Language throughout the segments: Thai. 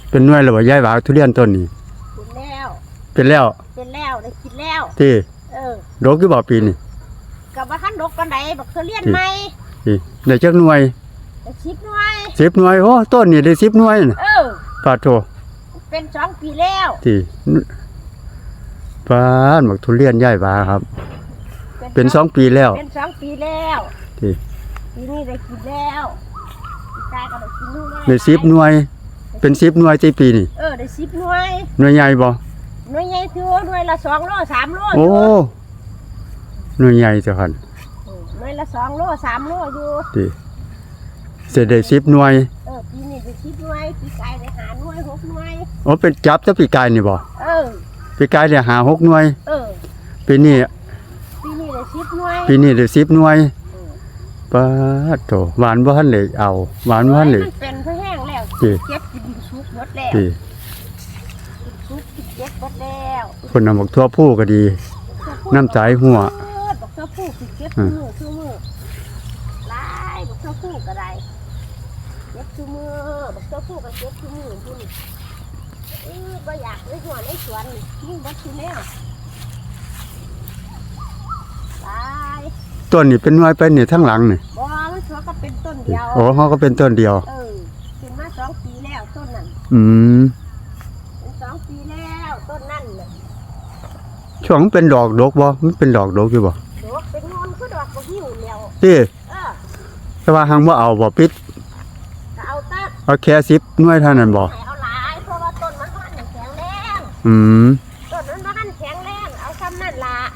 เป็นหน่วยแล้วบ่ยายหวาทุเรียนต้นนี้เป็นแล้วได้กินแล้วที่ดกอยู่บ่ปีนี้กับว่าคันดกปานใดบักทุเรียนใหม่ที่ได้จักหน่วยได้10 หน่วย 10 หน่วยโอ้ต้นนี้ได้10 หน่วยน่ะปาโถเป็น2 ปีแล้วที่ปานบักทุเรียนยายหวาครับเป็น2 ปีแล้วเป็น2 ปีแล้วที่ปีนี้ได้กินแล้วตายก็ได้กินนู่นได้10 หน่วยเป็น10 หน่วยที่ปีนี้ได้10 หน่วยหน่วยใหญ่บ่หน่วยใหญ่คือหน่วยละ2 โล 3 โลโอ้หน่วยใหญ่จ้ะคั่นหน่วยละ2 โล 3 โลอยู่ที่สิได้10 หน่วยปีนี้ได้10 หน่วยปีกายได้5 หน่วย 6 หน่วยโอ้เป็นจับแต่ปีกายนี่บ่ปีกายได้5 6 หน่วยปีนี้ได้10 หน่วยปีนี้ได้10 หน่วยปาโถหวานบ่ทันได้เอาหวานบ่ทันได้มันเป็นเพราะแห้งแล้วเก็บกินสุกหมดแล้วสุกเก็บหมดแล้วคนนำบักทั่วผู้ก็ดีน้ำใจหัวบักทั่วผู้เก็บมือหลายบักทั่วผู้ก็ได้เก็บมือบักทั่วผู้ก็เก็บมือพุ่นบ่อยากเลยหัวในสวนนี่บ่สิแนวหลายต้นนี่เป็นหน่วยไปนี่ทั้งหลังนี่บ่มันสวนก็เป็นต้นเดียวโอ้เฮาก็เป็นต้นเดียวขึ้นมา2 ปีแล้วต้นนั้นเป็น2 ปีแล้วต้นนั้นน่ะช่วงเป็นดอกดกบ่มันเป็นดอกดกอยู่บ่ดอกเป็นงอนคือดอกบ่หิวแล้วแต่ว่าหังบ่เอาบ่ปิดก็เอาตัดเอาแค่10 หน่วยเท่านั้นบ่เอาหลายเพราะว่าต้นมันแข็งแรงต้นมันแข็งแรงเอาซ้ำนั่นล่ะ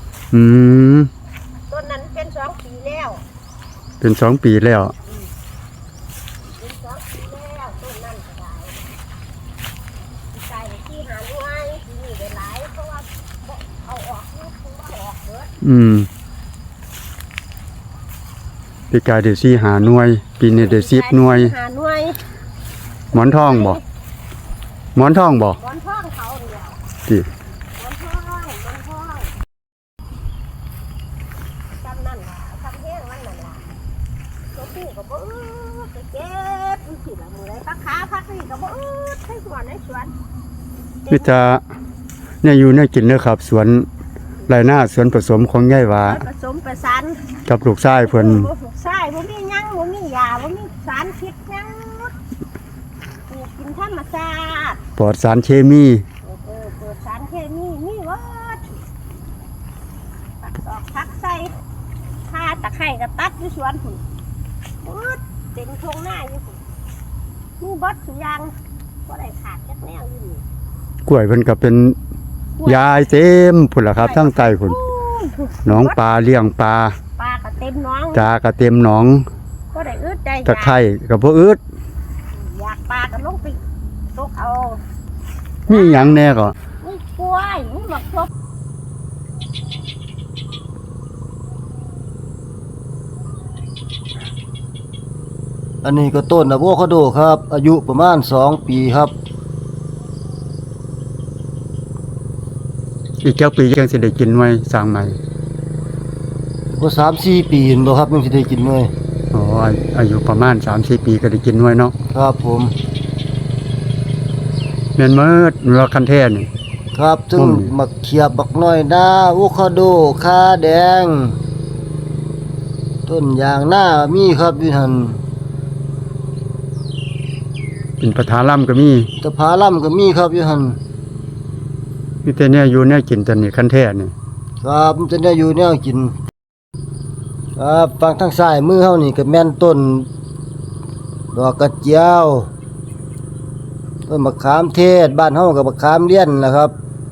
ต้นนั้นเป็น2 ปีแล้วเป็น2 ปีแล้วเป็น2 ปีแล้วต้นนั้นก็ได้ใส่ที่หาหน่วยที่นี่ได้หลายเพราะว่าเอาออกนี่คือว่าออกเบิดปีกายได้4 5 หน่วยปีนี้ได้10 หน่วย 5 หน่วยหมอนทองบ่หมอนทองบ่หมอนทองเขาเดียวที่หมอนทองจำนั่นล่ะทำแห้งวันนั่นล่ะตัวผู้ก็บ่ไปเก็บอยู่ที่ละมื้อใดพักนี่ก็บ่ให้หัวในสวนมิตรเนี่ยอยู่เนี่ยกินเด้อครับสวนไรหน้าสวนผสมของยายหวาผสมประสานกับลูกชายเพิ่นลูกชายบ่มีหยังบ่มียาบ่มีสารพิษหยังกินธรรมชาติปลอดสารเคมีปลอดสารเคมีมีหมดตัดออกพักใส่ข่าตะไคร้ก็ตัดอยู่สวนพุ่นเต็มทุ่งนาอยู่พุ่นมีบดสุอย่างบ่ได้ขาดจักแนวอยู่นี่กล้วยเพิ่นก็เป็นยายเต็มพุ่นล่ะครับทั้งใต้พุ่นหนองปลาเลี้ยงปลาก็เต็มหนองก็เต็มหนองบ่ได้อึดได้ตะไคร้ก็บ่อึดอยากปลาก็ลงไปตกเอามีหยังแน่ก็มีกล้วยมีบักทั่วอันนี้ก็ต้นอะโวคาโดครับอายุประมาณ2 ปีครับอีกปียังสิได้กินหน่วยสร้างใหม่ก็3-4 ปีบ่ครับยังสิได้กินหน่วยอายุประมาณ 3-4 ปีก็ได้กินหน่วยเนาะครับผมแม่นมื้อว่าคันแท้นี่ครับซึ่งมักเขียบบักน้อยนาอะโวคาโดคาแดงต้นยางนามีครับอยู่หั่นเป็นปะทาล่ำก็มีตะพาล่ำก็มีครับอยู่หั่นมีแต่เนี่ยอยู่เนี่ยกินตอนนี้คันแท้นี่ครับมันจะได้อยู่แนวกินครับฝั่งทางซ้ายมือเฮานี่ก็แม่นต้นดอกกระเจียวต้นมะขามเทศบ้านเฮาก็มะขามเลี้ยนล่ะครับ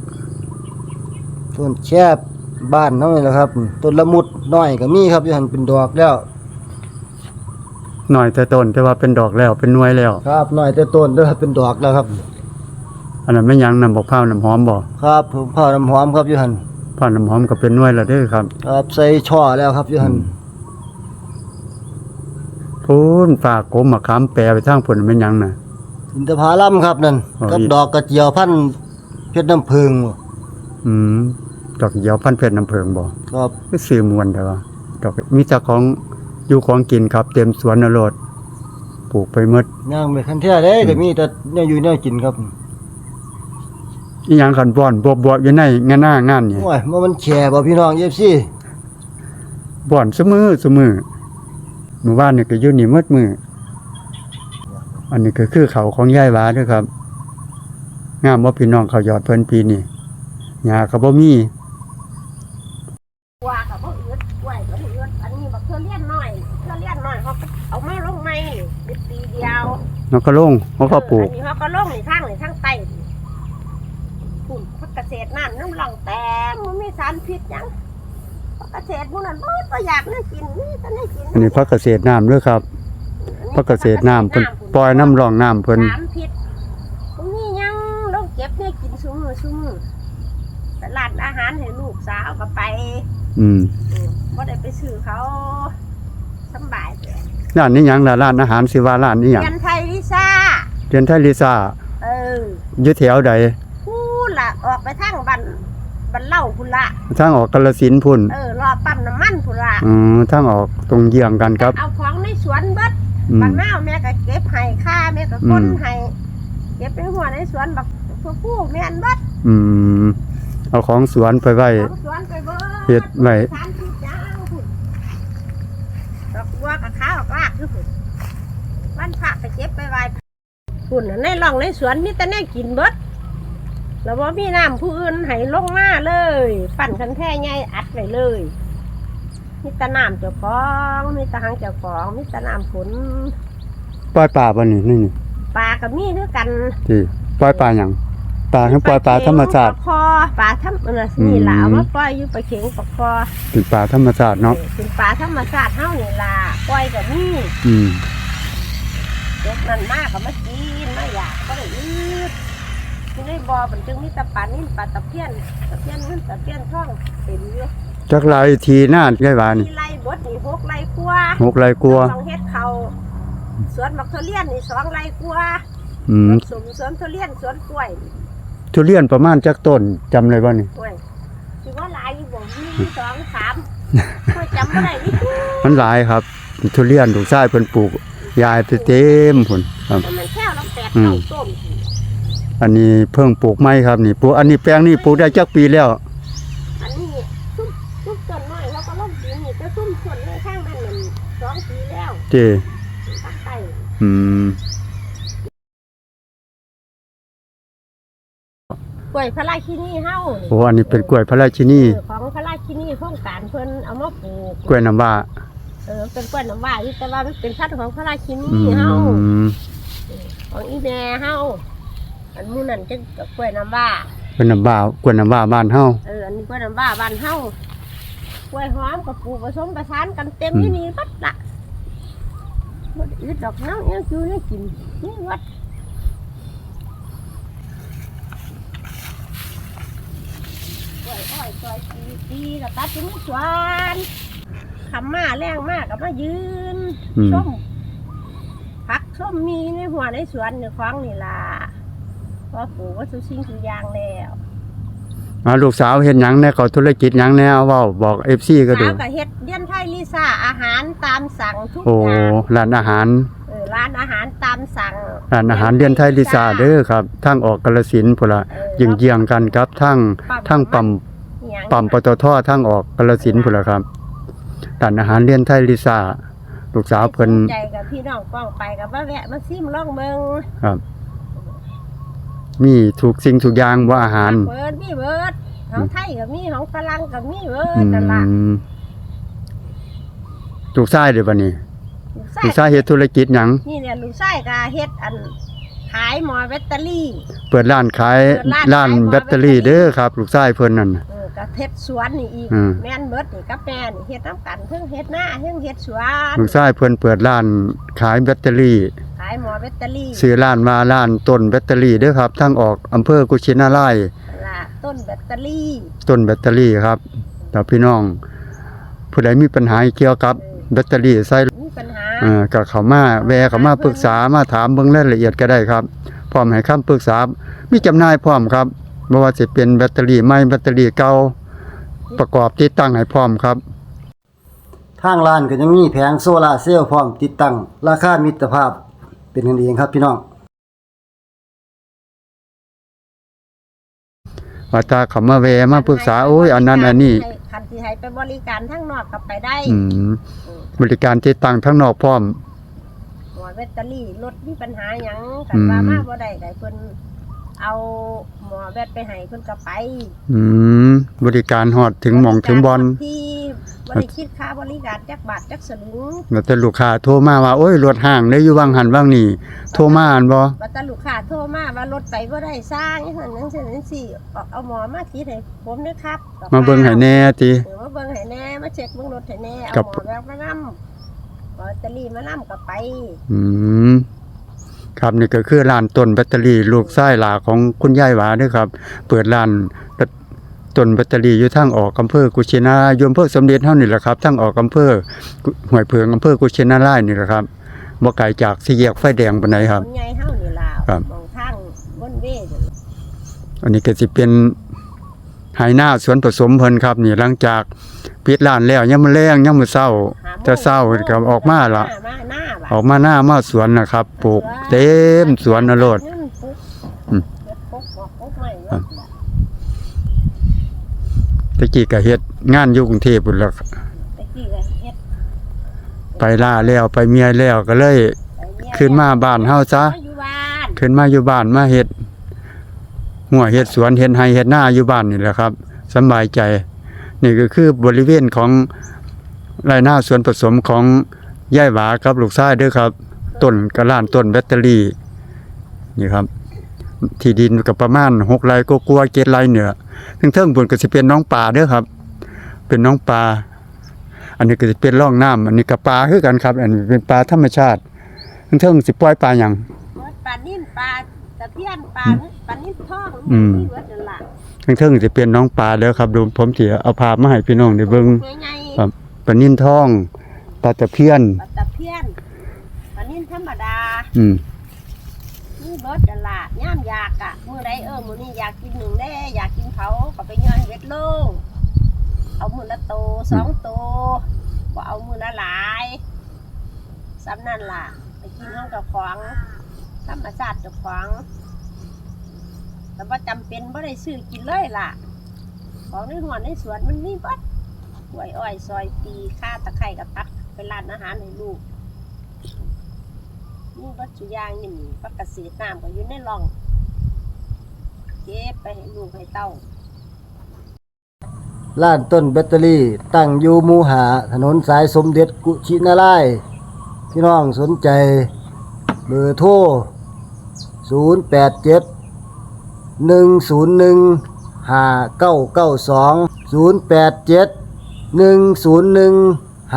ต้นแคบบ้านเฮานี่ล่ะครับต้นละมุดน้อยก็มีครับอยู่หั่นเป็นดอกแล้วน้อยแต่ต้นแต่ว่าเป็นดอกแล้วเป็นหน่วยแล้วครับน้อยแต่ต้นเด้อเป็นดอกแล้วครับอันนั้นไม่ยังน้ำบักพร้าวน้ำหอมบ่ครับผมพร้าวน้ำหอมครับอยู่หั่นพร้าวน้ำหอมก็เป็นหน่วยแล้วเด้อครับครับใส่ช่อแล้วครับอยู่หั่นพูนฝากกมมะขามแปรไปทางพุ่นแม่นยังน่ะอินทผลัมครับนั่นกับดอกกระเจียวพันเพชรน้ำผึ้งดอกกระเจียวพันเพชรน้ำผึ้งบ่ครับคือซื้อมวนแต่ว่าดอกมีแต่ของอยู่ของกินครับเต็มสวนนรดปลูกไปหมดย่างไปคันแท้เด้ก็มีแต่แนวอยู่แนวกินครับอีหยังคันบ่อนบวบๆอยู่ในงานหน้างานนี่โอ้ยมันแฉบ่พี่น้อง FC บ่อนซุมื้อเมื่อวานนี่ก็อยู่นี่หมดมื้ออันนี้ก็คือเขาของยายหวาเด้อครับงามบ่พี่น้องเขายอดเพิ่นปีนี้หญ้าก็บ่มีว่ากับบ่อืดกล้วยก็บ่อืดอันนี้บักเทื่อเลี้ยนน้อยเขาก็เอามาลงใหม่ได้ปีเดียวแล้วก็ลงเขาก็ปลูกอันนี้เขาก็ลงนี่ทางใต้พุ่นพักเกษตรน้ำหลังแต้มมันมีสารพิษหยังพักเกษตรพวกนั้นบ่อยากได้กินนี่จะได้กินอันนี้พักเกษตรน้ำเด้อครับพักเกษตรน้ำเพิ่นปล่อยน้ำรองน้ำเพิ่นสารพิษพวกนี้ยังลงเก็บเนี่ยกินซุมื้อแต่ร้านอาหารให้ลูกสาวก็ไป บ่ได้ไปซื้อเขาสำบายเลยร้านนี้หยังล่ะร้านอาหารสิว่าร้านนี้หยังเรียนไทยลิซ่าเรียนไทยลิซ่าเอออยู่แถวใดพูดละออกไปทางบันเล่าพุ่นละทางออกกาฬสินธุ์พุ่นรอปั๊มน้ำมันพุ่นละทางออกตรงเยี่ยงกันครับเอาของในสวนเบิดอืมบางหน้าวแม่ก็เก็บให้ค่าแม่ก็ก้นให้เก็บเป็นหัวในสวนบักผู้แม่นเบิดเอาของสวนไปไว้ของสวนไปเบิดเฮ็ดไว้สารพิษยางพุ่นดอกบัวกับข้าวกลากคือพุ่นวันพระไปเก็บไปไว้พุ่นน่ะในร่องในสวนมีแต่แน่กินเบิดแล้วว่ามีน้ำผู้อื่นให้ลงมาเลย ปั่นคันแท่ใหญ่อัดไว้เลยมีแต่น้ำเจ้าของมีแต่หางเจ้าของมีแต่น้ำฝนปล่อยปลาบ่นี่นี่ปลากับมีด้วยกันที่ปล่อยปลาหยังปลาคือปล่อยปลาธรรมชาติปลาคอปลาธรรมนี่ล่ะเอามาปล่อยอยู่ปลาเข็งปลาคอเป็นปลาธรรมชาติเนาะเป็นปลาธรรมชาติเฮานี่ล่ะปล่อยกับมีอืมเด็กนั่นมากก็มากินมาอยากก็ได้อืดที่ในบ่อมันจึงมีแตะปลานิ่ปลาตะเพียนเงินตะเพียนท่องเต็มอยู่จักหลายทีหน้ายายหวานมีไร่บดนี่6 ไร่กว่า 6ไร่กลัวาสองเฮ็ดเขาสวนบักทุเรียนนี่2 ไร่กว่า สวนทุเรียนสวนกล้วยทุเรียนประมาณจักต้นจำได้บ่นี่กล้วยคือว่าหลายอยู่บ่มี2 3ค่อยจำบ่ได้นี่มันหลายครับทุเรียนลูกชายเพิ่นปลูกยายไปเต็มพุ่นครับมันแค่ลำ8 9ต้นอันนี้เพิ่งปลูกไม้ครับนี่ปลูกอันนี้แปลงนี่ปลูกได้จักปีแล้วอันนี้ซุ่มต้นน้อยแล้วก็ลงปีนี่แต่ซุ่มส่วนในข้างนั้นมัน2 ปีแล้วเจภาคใต้ กล้วยพระราชินีเฮาโอ้อันนี้เป็นกล้วยพระราชินีของพระราชินีโครงการเพิ่นเอามาปลูกกล้วยน้ำว้าเป็นกล้วยน้ำว้าอยู่แต่ว่ามันเป็นพันธุ์ของพระราชินีอืเฮาม ของอีแม่เฮาอันหมู่นั้นจังกับกล้วยน้ำว้ากล้วยน้ำว้ากล้วยน้ำว้าบ้านเฮาอันนี้กล้วยน้ำว้าบ้านเฮากล้วยหอมกับปลูกผสมประสานกันเต็มที่นี่บัดละบ่ได้อึดดอกน้ำยังอยู่ยังกินนี่วัดกล้วยอ้อยซอยปีแล้วตัดถึงสวนคำมาแรงมากกับมายืนส้มผักส้มมีในหัวในสวนในคลองนี่ล่ะพอปลูกว่าสุสิ่งทุกอย่างแล้วลูกสาวเฮ็ดหยังแน่เขาธุรกิจหยังแน่เอาเว้าบอก FC ก็ดูสาวกับเฮ็ดเลี้ยนไทยลิซ่าอาหารตามสั่งทุกโอ้อย่างร้านอาหารร้านอาหารตามสั่งร้านอาหารเรียนไทยลิซ่าเด้อครับทางออกกาฬสินธุ์พุ่นล่ะยิงเยียงกันครับทางปั๊มปตททางออกกาฬสินธุ์พุ่นล่ะครับร้านอาหารเรียนไทยลิซ่าลูกสาวเพิ่นใจกับพี่น้องป้องไปกับว่าแวะมาซิมลองเบิ่งครับ มีทุกสิ่งทุกอย่างว่าอาหารเบิดมีเบิดของไทยก็มีของฝรั่งก็มีเบิดนั่นล่ะลูกชายเด้อบัดนี้ลูกชายเฮ็ดธุรกิจหยังนี่เนี่ยลูกชายก็เฮ็ดอันขายหมอแบตเตอรี่เปิดร้านขายร้านแบตเตอรี่เด้อครับ ลูกชายเพิ่นนั่นน่ะก็เฮ็ดสวนนี่อีก แม่นเบิดนี่กับแม่นี่เฮ็ดน้ำกันเพิ่งเฮ็ดหน้าเพิ่งเฮ็ดสวนลูกชายเพิ่นเปิดร้านขายแบตเตอรี่ขายหมอแบตเตอรี่ซื้อร้านมาร้านต้นแบตเตอรี่เด้อครับทางออกอำเภอกุชินารายณ์ล่ะต้นแบตเตอรี่ต้นแบตเตอรี่ครับแล้วพี่น้องผู้ใดมีปัญหาเกี่ยวกับแบตเตอรี่ใส่มีปัญหาก็เข้ามาแวะเข้ามาปรึกษามาถามเบิ่งรายละเอียดก็ได้ครับพร้อมให้คำปรึกษามีจำหน่ายพร้อมครับบ่ว่าสิเป็นแบตเตอรี่ใหม่แบตเตอรี่เก่าประกอบติดตั้งให้พร้อมครับทางร้านก็ยังมีแผงโซลาร์เซลล์พร้อมติดตั้งราคามิตรภาพเป็นกันเองครับพี่น้องว่าถ้าเขามาแวะมาปรึกษาโอ้ยอันนั้นอันนี้คันที่ให้ไปบริการทั้งนอกก็ไปได้บริการที่ตั้งทั้งนอกพร้อมหัวแบตเตอรี่รถมีปัญหาหยังกันว่ามาบ่ได้ก็เพิ่นเอาหมอแบตไปให้เพิ่นก็ไปบริการฮอดถึงหม่องถึงบอลที่บ่ได้คิดค่าบริการจักบาทจักสลึงแล้วแต่ลูกค้าโทรมาว่าโอ้ยรถห้างได้อยู่ว่างหันว่างนี่โทรมาอันบ่ว่าแต่ลูกค้าโทรมาว่ารถไปบ่ได้สร้างจังซั่นจังซี่เอาหมอมาคิดให้ผมด้วยครับมาเบิ่งให้แน่ติมาเบิ่งให้แน่มาเช็คเบิ่งรถให้แน่เอาครับหมอแบตมานำแบตเตอรี่มานำก็ไปครับนี่ก็คือร้านต้นแบตเตอรี่ลูกชายหลาของคุณยายหวาเด้อครับ เปิดร้านต้นแบตเตอรี่อยู่ทางออกอำเภอกุชินารายอำเภอสมเด็จเฮานี่แหละครับทางออกอำเภอห้วยเพิงอำเภอกุชินารายนี่แหละครับบ่ไกลจากสี่แยกไฟแดงปานใดครับนใหญ่เฮานี่ล่ะครับมองทางบนเวนั่นอันนี้ก็สิเป็นไหนาสวนผสมเพิ่นครับนี่หลังจากปิดร้านแล้วยามมื้อแลงยามมื้อเช้าจะเช้าก็ออกมาละออกมาหน้ามาสวนนะครับปลูกเต็มสวนนโรด ตะกี้ก็เฮ็ดงานอยู่กรุงเทพพุ่นแล้วตะกี้ก็เฮ็ดไปล่าแล้วไปเมียแล้วก็เลยขึ้นมาบ้านเฮาซะอยู่บ้านขึ้นมาอยู่บ้านมาเฮ็ดหัวเฮ็ดสวนเฮ็ดไร่เฮ็ดนาอยู่บ้านนี่แหละครับสำบายใจ นี่ก็คือบริเวณของไร่นาสวนผสมของยายหวากับลูกชายเด้อครับ ต้นกะล้านต้นแบตเตอรี่นี่ครับ ที่ดินก็ประมาณ6ไร่กว่าๆ7ไร่เหนือเทิงๆบนก็สิเป็นน้องปลาเด้อครับ เป็นน้องปลา อันนี้ก็สิเป็นร่องน้ำอันนี้ก็ปลาคือกันครับ อันนี้เป็นปลาธรรมชาติเทิงๆสิปล่อยปลาหยังปลานิ่นปลาตะเพียนปลานิ่นทองอืมนี่เบิดนั่นล่ะเทิงๆสิเป็นน้องปลาเด้อครับดูผมสิเอาภาพมาให้พี่น้องได้เบิ่งใหญ่ครับปลานิ่นทองปลาตะเพียนปลาตะเพียนปลานิ่นธรรมดา นี่เบิดนั่นล่ะย่ามอยากอ่ะมื้อใดมื้อนี้อยากกินหนึ่งแด้อยากกินเขาก็ไปย้อนเฮ็ดโลงเอามื้อละโต2โตบ่เอามื้อละหลายซ้ำนั่นล่ะไปกินห้องกับของธรรมชาติกับของแต่ว่าจำเป็นบ่ได้ซื้อกินเลยล่ะของในหัวในสวนมันมีเบิดกล้วยอ้อยซอยปีข่าตะไคร้กับตักไปร้านอาหารให้ลูกนี่วัตถุยางนี่ปักกระสีน้ำก็อยู่ในร่องเก็บไปให้ลูกให้เต้าร้านต้นแบตเตอรี่ตั้งอยู่หมู่หาถนนสายสมเด็จกุชินารายณ์พี่น้องสนใจเบอร์โทร087 101 5992 087 101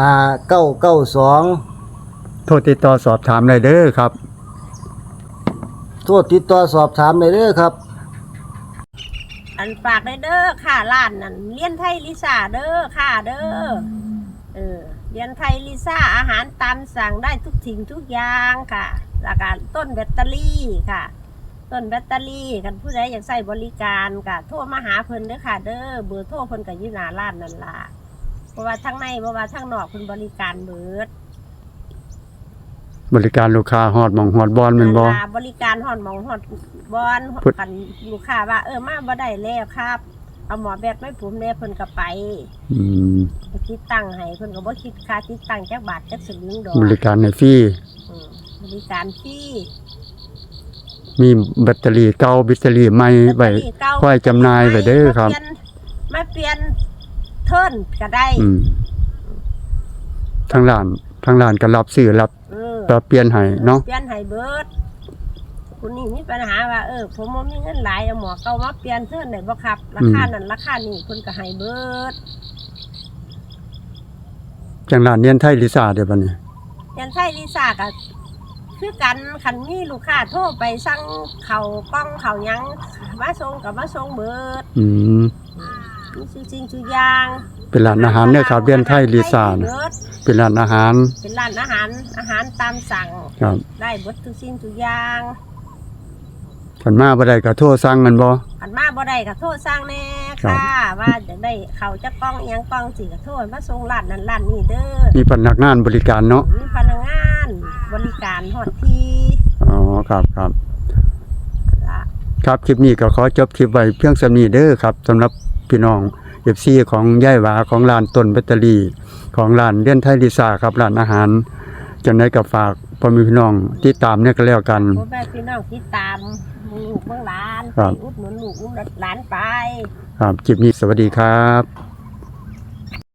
5992 โทรติดต่อสอบถามได้เด้อครับโทษติดต่อสอบถามได้เด้อครับอันฝากได้เด้อค่ะร้านนั่นเลียนไทยลิซ่าเด้อค่ะเด้อเลียนไทยลิซ่าอาหารตามสั่งได้ทุกสิ่งทุกอย่างค่ะแล้วก็ต้นแบตเตอรี่ค่ะ ต้นแบตเตอรี่กันผู้ใดอยากใช้บริการก็โทรมาหาเพิ่นเด้อค่ะเด้อเบอร์โทรเพิ่นก็อยู่หน้าร้านนั่นล่ะเพราะว่าทั้งในเพราะว่าทั้งนอกเพิ่นบริการเบิดบริการลูกค้าฮอดหม่องฮอดบอลแม่นบ่บริการฮอดหมองฮอดบอนพุทธกันลูกค้าว่ามาบ่ได้แล้วครับเอาหมอแบบไม่ผมแน่เพิ่นก็ไป ไปติดตั้งให้เพิ่นก็บ่คิดค่าติดตั้งจักบาทจักสลึงดอกบริการให้ฟรีบริการฟรีมีแบตเตอรี่เก่าแบตเตอรี่ใหม่ไว้แบตเตอรี่เก่าค่อยจำหน่ายไว้เด้อครับมาเปลี่ยนเทิร์นก็ได้ทางร้านก็รับซื้อรับอเปลี่ยนให้เนาะเปลี่ยนให้เบิดคุณนี่มีปัญหาว่าผมบ่มีเงินหลายเอาหมอเก่ามาเปลี่ยนเทิร์นได้บ่ครับราคานั้นราคานี้เพิ่นก็ให้เบิดจังร้านเนียนไทยลิซ่าเด้อบัดนี้ยันไทยลิซ่าก็คือกันคันมีลูกค้าโทรไปสั่งเขาวกล้องเขาวหยังมาส่งกับมาส่งเบิดมีสิ่งทุกอย่างเป็นร้านอาหารเด้อครับเนียนไทยลิซ่านะเป็นร้านอาหารเป็นร้านอาหารตามสั่งครับได้เบิดทุกสิ่งทุกอย่างคันมาบ่ได้ก็โทรสั่งกันบ่คันมาบ่ได้ก็โทรสั่งแน่ครัค่ะบว่าจะได้เขาวจะกล้องอีหยังกล้องสิก็โทรมาส่งร้านนั้นร้านนี้เด้อมีพนักงานบริการเนาะมีพนักงานบริการฮอดที่ครับครับละครับคลิปนี้ก็ขอจบคลิปไว้เพียงส่านี้เด้อครับสำหรับพี่น้อง FC ของย่ายหวาของร้านต้นแบตเตอรี่ของร้านเลี้ยนไทยลิซ่าครับร้านอาหารจังได๋ก็ฝากพ่อแม่พี่น้องติดตามเนี่ยก็แล้วกันพ่อแม่พี่น้องติดตามลูกเมืองหลานครับไปอุดหนุนลูกอุดหนุนหลานไปครับคลิปนี้สวัสดีครับ